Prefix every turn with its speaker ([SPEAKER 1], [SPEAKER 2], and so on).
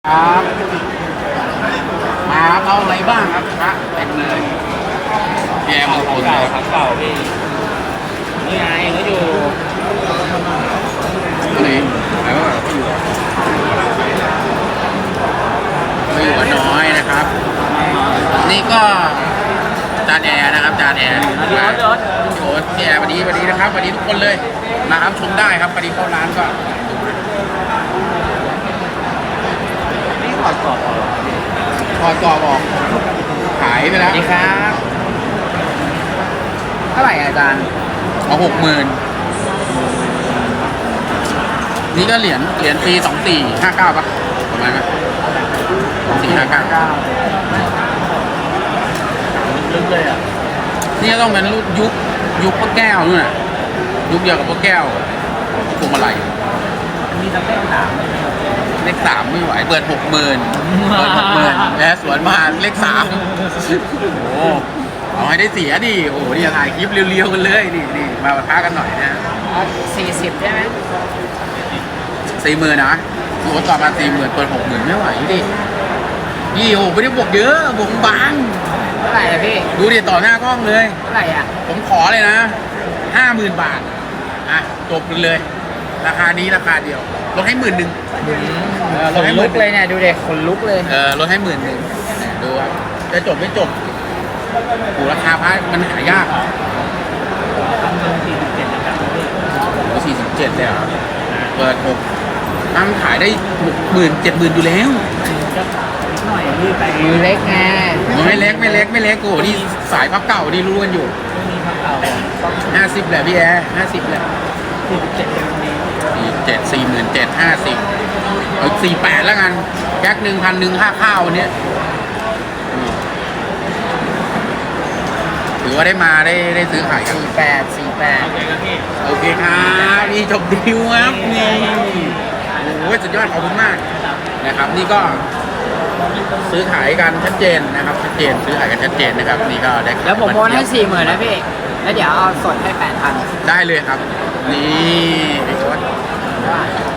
[SPEAKER 1] ครับมาเอาอะไรบ้างครับพระเต็มเลยแกมงคล
[SPEAKER 2] เก่าครับเก่าพี่นี่ไงเขาอยู่
[SPEAKER 1] ตัวนี้ไหนว่าเขาอยู่กับน้อยนะครับ นี่ก็จานแอร์นะครับจานแอร์มาโอ้พี่แอร์วันนี้นะครับวันนี้ทุกคนเลยมาครับชมได้ครับวันนี้เข้าร้านก็
[SPEAKER 2] นี่ขอดกรอบเหรอ
[SPEAKER 1] พอกรอบออกขายไป
[SPEAKER 2] ส
[SPEAKER 1] แล้
[SPEAKER 2] วั
[SPEAKER 1] ว
[SPEAKER 2] สดีครับเท่าไหร่อาจารย์
[SPEAKER 1] เอา60,000นี่ก็เหรียญปี2459ป่ะประมาณนั้น2459
[SPEAKER 2] ลึกเลยอ่ะ
[SPEAKER 1] นี่ก็ต้องเป็นรุ่นยุคพวกแก้วนู่นน่ะยุคเดียวกับพวกแก้วพวงมาลัย
[SPEAKER 2] มีสเต็ปสาม
[SPEAKER 1] เลข3ไม่ไหวเปิด 60,000เปิด 60,000แล้วสวนมาเลข3โอ้เอาให้ได้เสียดิโอ้นี่ถ่ายคลิปเรียวๆกันเลยนี่มาปะทะกันหน่อยนะ
[SPEAKER 2] 40ใช่ไหม
[SPEAKER 1] 40,000นะโอ้ต่อมา40,000เปิด 60,000ไม่ไหวดิยี่โอ้ไม่ได้บวกเยอะบวกบาง
[SPEAKER 2] เท่าไหร่อะพี่
[SPEAKER 1] ดูดิต่อหน้ากล้องเลย
[SPEAKER 2] เท่าไหร่อ่ะ
[SPEAKER 1] ผมขอเลยนะ 50,000 บาทอ่ะจบเลยราคานี้ราคาเดียวลดให้10,000ล
[SPEAKER 2] ข
[SPEAKER 1] ด
[SPEAKER 2] น
[SPEAKER 1] ให้
[SPEAKER 2] ลุกเลยเนี่ยดูเด็กขนลุกเลย
[SPEAKER 1] ลดให้10,000ดูครับจะจบไม่จบโอ้ราคาพระมันหายาก47เลยครับเปิด6มันขายได้60,000 70,000อยู่แล้ว
[SPEAKER 2] หน่อยพี่ไปมือเล็กไง
[SPEAKER 1] ไม่เล็กโอ้นี่สายพับเก่านี่รู้กันอยู่
[SPEAKER 2] มีพักเก่า
[SPEAKER 1] 50แหละพี่แอร์50แหละ
[SPEAKER 2] 47เป็นนี้
[SPEAKER 1] 47,50เอา48แล้วกันแก๊ก1,100ค่าข้าววันนี้ถือว่าได้มาได้ซื้อขายกัน
[SPEAKER 2] 48
[SPEAKER 1] โอเคครับนี่จบดีลครับนี่โอ้ยสุดยอดขอบคุณมากนะครับ นี่ก็ซื้อขายกันชัดเจนนะครับชัดเจนซื้อขายกันชัดเจนนะครับนี่ก็ได้
[SPEAKER 2] แล้วผมโอนให้40,000นะพี่แล้วเดี๋ยวเอาสดให้8,000
[SPEAKER 1] ได้เลยครับ นี่ไอ้โค้ด